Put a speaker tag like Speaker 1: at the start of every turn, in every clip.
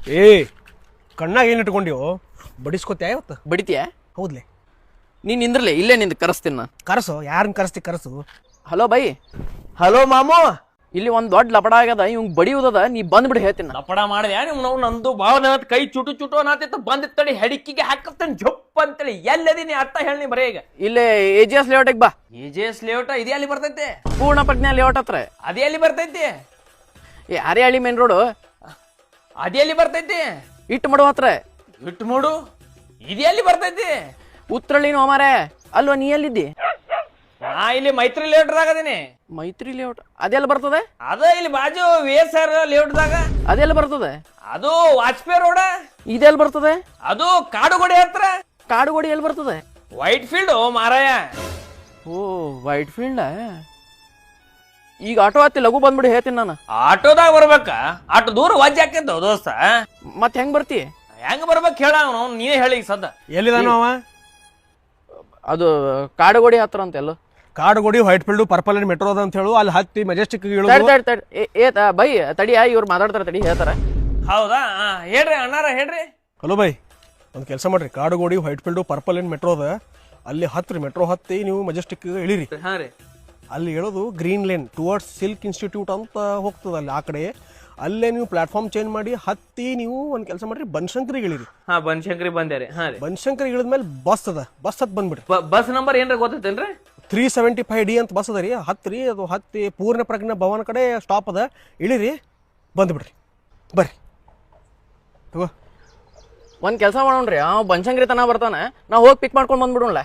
Speaker 1: ಏ ಕಣ್ಣಾಗ ಏನು ಇಟ್ಕೊಂಡಿವೋ ಬಡಿಸ್ಕೊತ್ಯಾ ಇವತ್ತು
Speaker 2: ಬಡಿತೀಯ?
Speaker 1: ಹೌದ್ಲೆ
Speaker 2: ನೀನ್ ನಿಂದ್ರಲೆ, ಇಲ್ಲೇ ನಿಂದ ಕರೆಸ್ತೀನಿ ನಾನು.
Speaker 1: ಕರೆಸು, ಯಾರನ್ನ ಕರೆಸ್ತಿ ಕರೆಸು.
Speaker 2: Hello bye.
Speaker 3: ಹಲೋ ಮಾಮು.
Speaker 2: ಇಲ್ಲಿ ಒಂದ್ ದೊಡ್ಡ ಲಪಡ ಆಗ್ಯದ, ಇವ್ ಬಡಿಯುವುದದ, ನೀ ಬಂದ್ಬಿಡಿ ಹೇಳ್ತೀನಿ.
Speaker 3: ಲಪಡ ಮಾಡಿದೆ ನೀವು ನಂದು ಭಾವ ಕೈ ಚುಟು ಚುಟು ಅನ್ನತಿತ್ತು, ಬಂದಿತ್ತಡಿ ಹೆಡಿಕಿಗೆ ಹಾಕತ್ತೇನೆ ಜಪ್ ಅಂತೇಳಿ. ಎಲ್ಲದೀನಿ ಅರ್ಥ ಹೇಳಿ ಬರೇ ಈಗ.
Speaker 2: ಇಲ್ಲೇ AGS ಲೇಔಟಿಗೆ ಬಾ.
Speaker 3: AGS ಲೇಔಟ್ ಇದೆ ಅಲ್ಲಿ ಬರ್ತೈತಿ.
Speaker 2: ಪೂರ್ಣ ಪ್ರಜ್ಞಾ ಲೇಔಟ್ ಹತ್ರ
Speaker 3: ಅದೇ ಅಲ್ಲಿ ಬರ್ತೈತಿ.
Speaker 2: ಈ ಹರಿಹಳ್ಳಿ ಮೇನ್ ರೋಡು
Speaker 3: ಅದೇ ಅಲ್ಲಿ ಬರ್ತೈತಿ.
Speaker 2: ಇಟ್ಟು ಮಾಡು ಹತ್ರ
Speaker 3: ಇಟ್ಟು ಮಾಡು ಇದೇ ಅಲ್ಲಿ ಬರ್ತೈತಿ.
Speaker 2: ಉತ್ರಳ್ಳಿ ಮಾರೆ ಅಲ್ವಾ, ನೀ ಎಲ್ಲಿದ್ದಿ?
Speaker 3: ನಾ ಇಲ್ಲಿ ಮೈತ್ರಿ ಲೇಔಟ್ದಾಗ ಅದೀನಿ.
Speaker 2: ಮೈತ್ರಿ ಲೇಔಟ್ ಅದೆಲ್ಲ ಬರ್ತದೆ?
Speaker 3: ಅದ ಇಲ್ಲಿ ಬಾಜು VSR ಲೇಔಟ್ದಾಗ.
Speaker 2: ಅದೆಲ್ಲ ಬರ್ತದೆ?
Speaker 3: ಅದು ವಾಜಪೇಯಿ ರೋಡ.
Speaker 2: ಇದೆಲ್ಲ ಬರ್ತದೆ?
Speaker 3: ಅದು ಕಾಡುಗೋಡಿ ಹತ್ರ.
Speaker 2: ಕಾಡುಗೋಡಿ ಎಲ್ಲಿ ಬರ್ತದೆ?
Speaker 3: ವೈಟ್ ಫೀಲ್ಡ್ ಮಾರಾಯ.
Speaker 2: ಓ ವೈಟ್ ಫೀಲ್ಡ್. ಈಗ ಆಟೋ ಹತ್ತಿ ಲಘು ಬಂದ್ಬಿಡಿ ಹೇಳ್ತೀನಿ ನಾನು.
Speaker 3: ಆಟೋದಾಗ ಬರ್ಬೇಕ? ಆಟೋ ದೂರ ವಜ್ಜೆ ಹಾಕಿದ್ದ ದೋಸ್ತ.
Speaker 2: ಮತ್ತೆ ಹೆಂಗ್ ಬರ್ತಿ?
Speaker 3: ಹೆಂಗ್ ಬರ್ಬೇಕು ಹೇಳ, ನೀನೇ ಹೇಳಿ ಸದ್ದ.
Speaker 1: ಎಲ್ಲಿದಾನೋ ಅವ?
Speaker 2: ಅದು ಕಾಡುಗೋಡಿ ಹತ್ರ ಅಂತ ಎಲ್ಲೋ.
Speaker 1: Kadugodi, Whitefield, purple and metro ಅದ ಅಂತ ಹೇಳು. ಅಲ್ಲಿ ಹತ್ತಿ ಮೆಜೆಸ್ಟಿಕ್
Speaker 2: ಬೈ ತಡಿಯ, ಇವ್ರು ಮಾತಾಡ್ತಾರ, ತಡಿ ಹೇಳ್ತಾರ.
Speaker 3: ಹೌದಾ? ಹೇಳ್ರಿ ಅಣ್ಣಾರ ಹೇಳ್ರಿ.
Speaker 1: ಹಲೋ ಬೈ, ಒಂದು ಕೆಲಸ ಮಾಡ್ರಿ, Kadugodi, Whitefield, purple and metro ಅದ, ಅಲ್ಲಿ ಹತ್ರಿ. ಮೆಟ್ರೋ ಹತ್ತಿ ನೀವು ಮೆಜೆಸ್ಟಿಕ್ ಇಳಿರಿ.
Speaker 3: ಹಾ ರೀ.
Speaker 1: ಅಲ್ಲಿ ಹೇಳೋದು green lane towards silk institute ಅಂತ ಹೋಗ್ತದೆ. ಅಲ್ಲಿ ಆ ಕಡೆ ಅಲ್ಲೇ ನೀವು ಪ್ಲಾಟ್ಫಾರ್ಮ್ ಚೇಂಜ್ ಮಾಡಿ ಹತ್ತಿ ನೀವು ಒಂದು ಕೆಲಸ ಮಾಡ್ರಿ, ಬನಶಂಕರಿಗೆ ಇಳಿರಿ.
Speaker 3: ಹಾ ಬನಶಂಕರಿ ಬಂದ್ಯಾರಿ. ಹಾ ರೀ.
Speaker 1: ಬನಶಂಕರಿಗೆ ಇಳಿದ್ಮೇಲೆ ಬಸ್ ಅದ, ಬಸ್ ಹತ್ ಬಂದ್ಬಿಡ್ರಿ.
Speaker 3: ಬಸ್ ನಂಬರ್ ಏನ್ರ ಗೊತ್ತೈತೇನ್ರಿ?
Speaker 1: 375D ಅಂತ ಬಸ್ ಅದ ರೀ. ಹತ್ರಿ, ಅದು ಹತ್ತಿ ಪೂರ್ಣ ಪ್ರಜ್ಞಾ ಭವನ ಕಡೆ ಸ್ಟಾಪ್ ಅದ, ಇಳಿರಿ, ಬಂದ್ಬಿಡ್ರಿ. ಬರ್ರಿ ತಗೋ.
Speaker 2: ಒಂದ್ ಕೆಲಸ ಮಾಡೋಣ್ರಿ, ಅವ ಬನಶಂಕರಿ ತನ ಬರ್ತಾನ, ನಾವು ಹೋಗಿ ಪಿಕ್ ಮಾಡ್ಕೊಂಡು ಬಂದ್ಬಿಡೋಣ.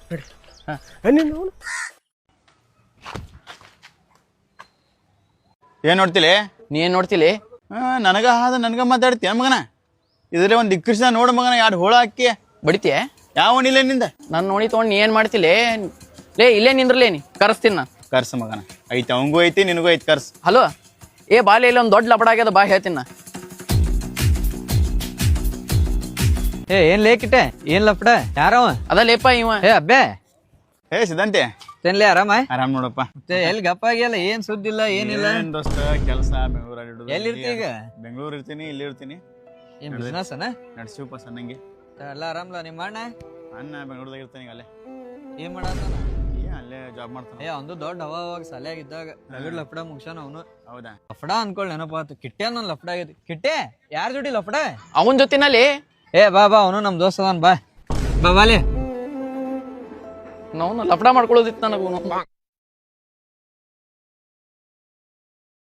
Speaker 4: ಏನ್ ನೋಡ್ತಿಲಿ?
Speaker 2: ನೀ ಏನ್ ನೋಡ್ತಿಲಿ?
Speaker 4: ನನಗ ನನಗ ಮಾತಾಡ್ತೀಯ ಮಗನ? ಇದ್ರೆ ಒಂದ್ ದಿಕ್ಕರ್ಸ ನೋಡ ಮಗನ, 2 ಹೋಳ ಹಾಕಿ
Speaker 2: ಬಡಿತೀಯ?
Speaker 4: ಯಾವನಿಲ್ಲ ನಿಂದ?
Speaker 2: ನಾನು ನೋಡಿ ತಗೊಂಡು ನೀ ಏನ್ ಮಾಡ್ತಿಲಿ? ಲೇ ಇಲ್ಲೇ ನಿಂದ್ರಲೇ, ನೀ ಕರೆಸ್ತೀನಿ ನಾ.
Speaker 4: ಕರ್ಸ ಮಗನ, ಐತಿ ಅವಂಗೂ ಐತಿ ನಿನಗೂ ಐತಿ, ಕರ್ಸ್.
Speaker 2: ಹಲೋ ಏ ಬಾಲೆ, ಇಲ್ಲ ಒಂದ್ ದೊಡ್ಡ ಲಪಡ ಆಗ್ಯದ, ಬಾ ಹೇಳ್ತೀನಿ ನಾ.
Speaker 5: ಏನ್ ಲೇಕಿಟ್ಟೆ? ಏನ್ ಲಪಡ? ಯಾರವ?
Speaker 2: ಅದ ಲೇಪ ಇವ.
Speaker 5: ಅಬ್ಬೆ
Speaker 4: ಸಿದ್ಧಾಂತಿ
Speaker 5: ತೆನ್ಲೆ ಆರಾಮ?
Speaker 4: ಆರಾಮ್ ನೋಡಪ್ಪ.
Speaker 5: ಮತ್ತೆ ಎಲ್ಲಿ ಗಪ್ಪ ಆಗಿಲ್ಲ, ಏನ್ ಸುದ್ದಿ ಇಲ್ಲ, ಏನಿಲ್ಲ.
Speaker 4: ಏನ್ ದೋಸ್ತ ಕೆಲಸ ಬೆಂಗಳೂರಲ್ಲಿ.
Speaker 5: ಎಲ್ಲಿರ್ತಿ ಈಗ?
Speaker 4: ಬೆಂಗಳೂರು ಇರ್ತೀನಿ, ಇಲ್ಲಿ ಇರ್ತೀನಿ.
Speaker 5: ಏನ್ ಬಿಸ್ನೆಸ್ ಅನ?
Speaker 4: ನಡ್ಸಿವಪ್ಪ ಸಣ್ಣಂಗೆ.
Speaker 5: ಎಲ್ಲ ಆರಾಮ್ಲ? ನಿಮ್ಮ ಅಣ್ಣ
Speaker 4: ಬೆಂಗಳೂರದಾಗ ಇರ್ತಾನೆ ಈಗ. ಅಲ್ಲೇ
Speaker 5: ಏನ್ ಮಾಡತ್ತಾನ?
Speaker 4: ಅಲ್ಲೇ ಜಾಬ್ ಮಾಡ್ತಾನ.
Speaker 5: ಒಂದು ದೊಡ್ಡ ಅವಾಗ ಸಲ್ಯಾಗಿದ್ದಾಗ ರಗಡ್ ಲಫಡ ಮುಗ್ಸಾನ ಅವನು.
Speaker 4: ಹೌದಾ?
Speaker 5: ಲಫಡ ಅನ್ಕೊಳ್ಳಿ ನೆನಪಾತು. ಕಿಟ್ಟೆ ನನ್ ಲಫಡ ಆಗೈತಿ. ಕಿಟ್ಟೆ ಯಾರ ಜೋಡಿ ಲಫಡ?
Speaker 2: ಅವನ್ ಜೊತಿನಲ್ಲಿ.
Speaker 5: ಬಾ ಅವನು ನಮ್ ದೋಸ್ತ ಅದಾನ, ಬಾ ಬಾಲೆ.
Speaker 2: ನಾವು ಲಪಡ ಮಾಡ್ಕೊಳ್ಳೋದಿತ್ತು ನನಗೂ.